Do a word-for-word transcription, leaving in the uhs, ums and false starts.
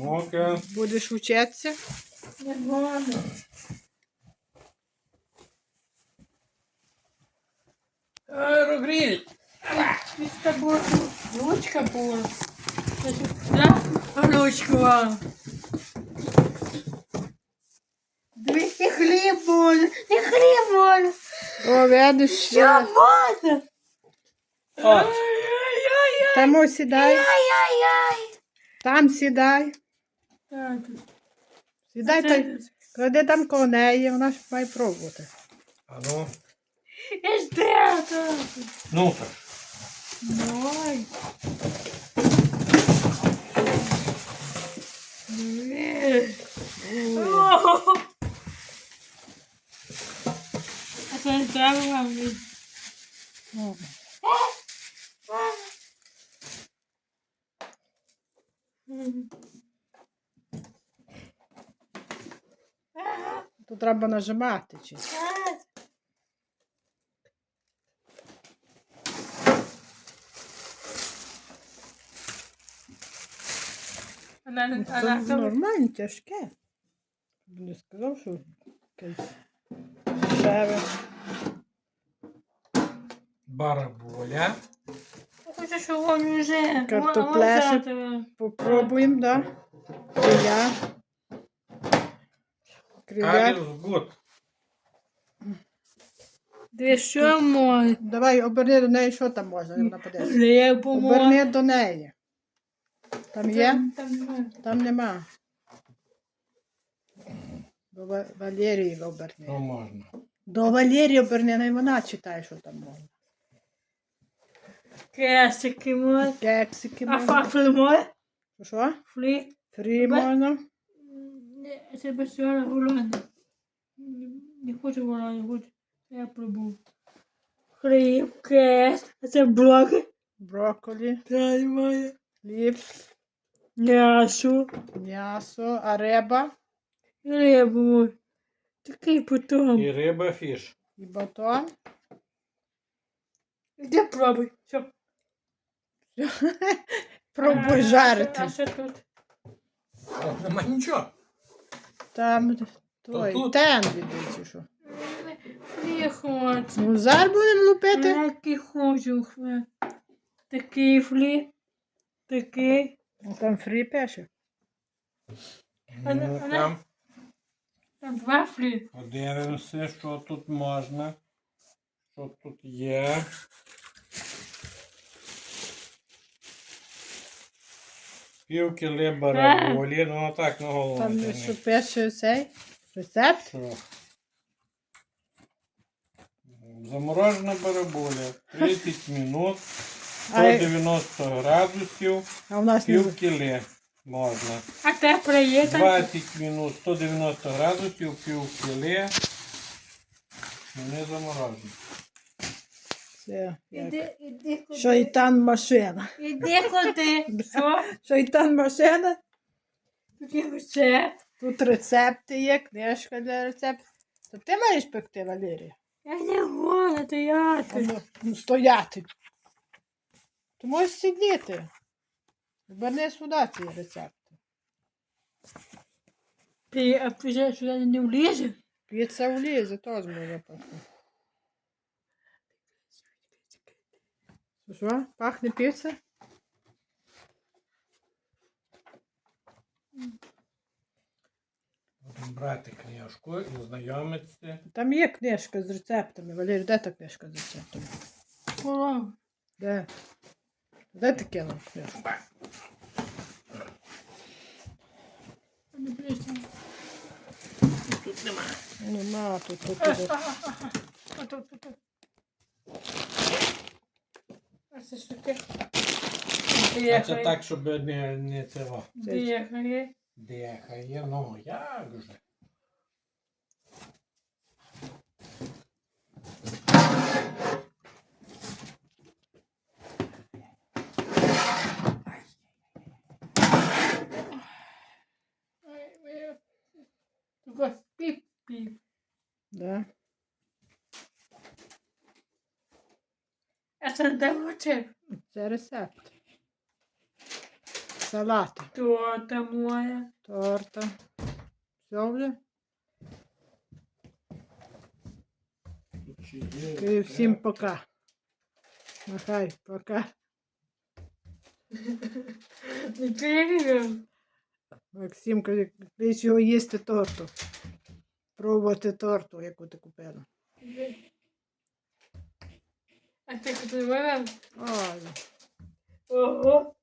Ну-ка. Будеш вчитися? Не можна. Аерогриль. Це була ручка була. Да? Ручка. Дивись, і хліб можна, і хліб можна. О, видиш, Що можна? От. Ай-яй-яй. там ось сідай, Ай-яй-яй. там сідай. Так. Сідай, та й клади там коло неї, вона ж має пробувати. А ну. І ще так. Ну-ка. Давай. А це не треба вам. О, тут треба нажимати. Чи? Вона не Це вона нормально, тяжке. Не сказав, що якесь дешеве. Бараболя. хочу, щоб він вже. Картоплеші. Попробуємо, да? Криля. Криля. Аліс гуд. Де що може? Давай, оберни до неї, що там можна, вона подивиться. Хлібу Оберни до неї. Там є? Там немає. Там нема. До Ва- Валерії оберни. Ну можна. До Валерії оберни, не вона читає, що там можна. Кесики може. Кексики А можна. фафли може? Що? Флі. Фрі Бе- можна. Не, це без цього голода. Не хочу голода, не хочу. Я пробую. Хліб, кес. А це блоки. Брокколі, Дай моє. хліб, М'ясо. м'ясо, а риба Рибу. Такий потом. І риба фіш. і батон. Іди пробуй. Все. Пробуй А жарити. що тут? О, нема нічого. Там той тут? тен відбий, чи що. Не хочу. Ну, зараз будемо лупити. Такий хочу. Такий флі. Такий. Ну, там фрі пише. А не- Ну, а не- там Там два флі. подивимося, що тут можна. Що тут є. Пів кілі бараболі. Ну так на голову. Там тягни. що пише цей рецепт. Що? Заморожена бараболя. тридцять минут. А я- сто дев'яносто градусів. А у нас не Пів кілі можна. А тепле є там? двадцять минут, сто дев'яносто градусів, пів кілі. Не заморожено. це. як Іди, іди куди. Шайтан машина. Іди куди. Що? Шайтан машина. Тут є рецепт. Тут рецепти є, книжка для рецептів. То ти маєш пекти, Валерія? Я не можу стояти. Ну, ну, стояти. Ти можеш сидіти. Верни сюди ці рецепти. Ти, а ти сюди не влізе? Піца влізе, теж може пахне. Що? Пахне піца? Будемо брати книжку і знайомитися. Там є книжка з рецептами. Валерій, де та книжка з рецептами? Ура. Де? Де ти кинув книжку? Не близько. Тут нема. Нема, тут, тут, А, тут. а, а, а. А тут, тут, тут. А це що таке? А це так, щоб не, не цього. Дихає. Дихає. Ну, як же. Такой піп-піп. Да. А це де рецепт? Це рецепт. салати. Торта моя. Торта. Все вже? Чи є? І всім пока. Махай, пока. Не перевів. Максим каже, клич його їсти торту. Пробувати торту, яку ти купила. А ти куди вона? Ой, Ого.